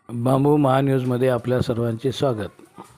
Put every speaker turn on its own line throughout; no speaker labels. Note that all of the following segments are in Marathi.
बांबू महान्यूजमध्ये आपल्या सर्वांचे स्वागत.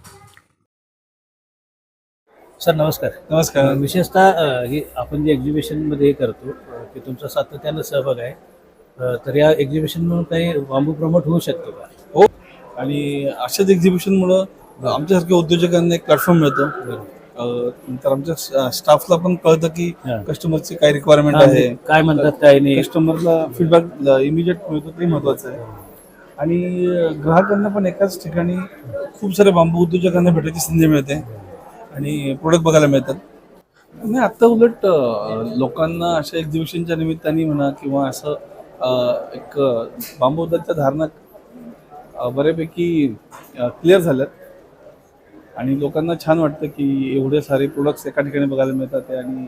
सर नमस्कार.
नमस्कार.
विशेषतः ही आपण जे एक्झिबिशनमध्ये करतो की तुमचा सातत्यानं सहभाग आहे, तर या एक्झिबिशनमधून काही बांबू प्रमोट होऊ शकतो का?
हो, आणि अशाच एक्झिबिशनमुळं आमच्यासारख्या उद्योजकांना एक प्लॅटफॉर्म मिळतो. तर आमच्या स्टाफला पण कळतं की कस्टमरची काय रिक्वायरमेंट आहे,
काय म्हणतात काय नाही.
कस्टमरला फीडबॅक इमिजिएट मिळतो, ते महत्त्वाचं आहे. आणि ग्राहकांना पण एकाच ठिकाणी खूप सारे बांबू उद्योजकांना भेटायची संधी मिळते आणि प्रोडक्ट बघायला मिळतात. नाही, आत्ता उलट लोकांना अशा एक्झिबिशनच्या निमित्ताने म्हणा किंवा असं एक बांबूबद्दलच्या धारणा बऱ्यापैकी क्लिअर झाल्यात आणि लोकांना छान वाटतं की एवढे सारे प्रोडक्ट्स एका ठिकाणी बघायला मिळतात आहे. आणि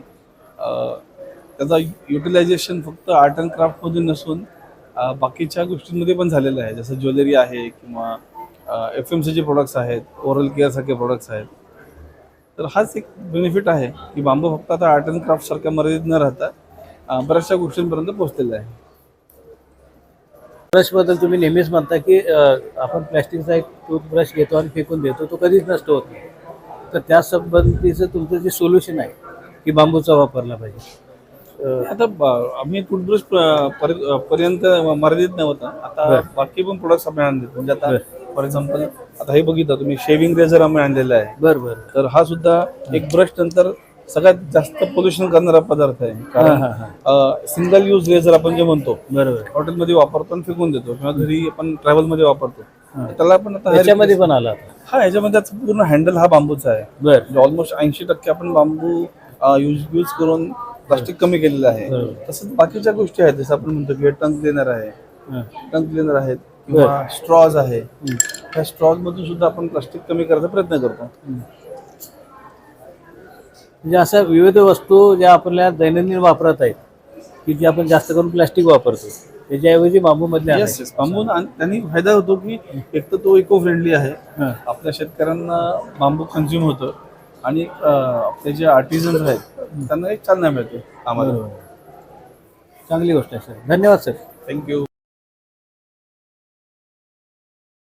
त्याचा युटिलायझेशन फक्त आर्ट अँड क्राफ्टमध्ये नसून बाकीच्या गोष्टींमध्ये पण झालेलं आहे, जसं ज्वेलरी आहे किंवा FMCG प्रोडक्ट्स आहेत, ओरल केअरसारखे प्रोडक्ट्स आहेत. तर हाच एक बेनिफिट आहे की बांबू फक्त आता आर्ट अँड क्राफ्टसारख्या मर्यादित न राहता बऱ्याचशा गोष्टींपर्यंत पोहोचलेलं आहे.
ब्रशबद्दल तुम्ही नेहमीच म्हणता की आपण प्लॅस्टिकचा एक टूथब्रश घेतो आणि फेकून देतो, तो कधीच नष्ट होत नाही. तर त्या संबंधीचं तुमचं जे सोल्युशन आहे की बांबूचा वापरला पाहिजे.
आता आम्ही टूथब्रश पर्यंत मर्यादित नव्हता. आता बाकी पण प्रोडक्ट्स आम्ही आणले, म्हणजे आता फॉर एक्झाम्पल आता हे बघितलं तुम्ही, शेविंग रेझर आम्ही आणलेला आहे.
बरं.
तर हा सुद्धा एक ब्रश नंतर सगळ्यात जास्त पोल्युशन करणारा पदार्थ आहे. कारण सिंगल यूज रेझर आपण जे म्हणतो,
बरोबर,
हॉटेलमध्ये वापरतो आणि फेकून देतो किंवा घरी आपण ट्रॅव्हलमध्ये वापरतो, त्याला पण आता
त्याच्यामध्ये पण आला.
हा, ह्याच्यामध्ये पूर्ण हँडल हा बांबूचा आहे.
बरं.
ऑलमोस्ट 80% आपण बांबू यूज करून प्लास्टिक कमी केलेलं आहे. तसंच बाकीच्या गोष्टी आहेत, जसं आपण म्हणतो की टंग क्लिनर आहे, टंग क्लिनर आहेत किंवा स्ट्रॉज आहे. त्या स्ट्रॉज मधून सुद्धा आपण प्लास्टिक कमी करायचा प्रयत्न करतो.
म्हणजे अशा विविध वस्तू ज्या आपल्या दैनंदिन वापरात आहेत की जे आपण जास्त करून प्लास्टिक वापरतो, त्याच्याऐवजी बांबूमधले
बांबू त्यांनी फायदा होतो की एक तर तो इको फ्रेंडली आहे, आपल्या शेतकऱ्यांना बांबू कन्झ्युम होतं आणि आपले जे आर्टिझन्स आहेत त्यांना एक चालना मिळते आम्हाला.
चांगली गोष्ट आहे सर. धन्यवाद सर.
थँक्यू.